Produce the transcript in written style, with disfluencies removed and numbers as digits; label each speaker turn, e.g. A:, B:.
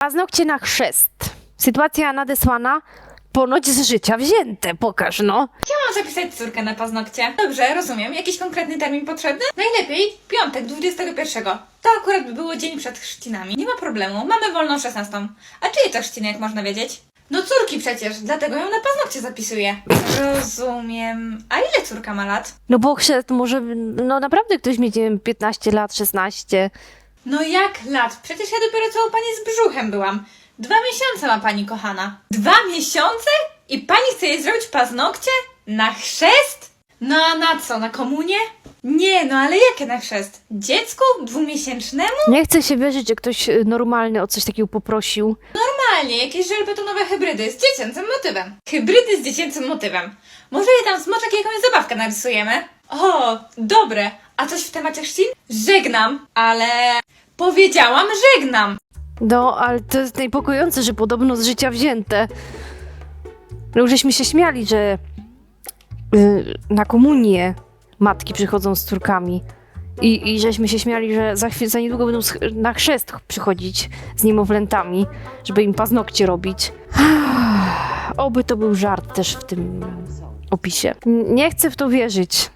A: Paznokcie na chrzest. Sytuacja nadesłana, ponoć z życia wzięte. Pokaż, no.
B: Chciałam zapisać córkę na paznokcie. Dobrze, rozumiem. Jakiś konkretny termin potrzebny? Najlepiej piątek, 21. To akurat by było dzień przed chrzcinami. Nie ma problemu, mamy wolną 16. A czyje to chrzciny, jak można wiedzieć? No córki przecież, dlatego ją na paznokcie zapisuję. Rozumiem. A ile córka ma lat?
A: No bo chrzest może, no naprawdę ktoś mieć, nie wiem, 15 lat, 16.
B: No jak lat? Przecież ja dopiero co u pani z brzuchem byłam. 2 miesiące ma pani kochana. 2 miesiące? I pani chce jej zrobić paznokcie? Na chrzest? No a na co? Na komunię? Nie, no ale jakie na chrzest? Dziecku? 2-miesięcznemu?
A: Nie chce się wierzyć, że ktoś normalny o coś takiego poprosił.
B: Normalnie, jakieś żelbetonowe hybrydy z dziecięcym motywem. Hybrydy z dziecięcym motywem. Może je tam smoczek i jakąś zabawkę narysujemy? O, dobre. A coś w temacie chrzcin? Żegnam, ale... Powiedziałam żegnam.
A: No, ale to jest niepokojące, że podobno z życia wzięte. No już żeśmy się śmiali, że na komunię matki przychodzą z córkami. I żeśmy się śmiali, że za niedługo będą na chrzest przychodzić z niemowlętami, żeby im paznokcie robić. Oby to był żart też w tym opisie. Nie chcę w to wierzyć.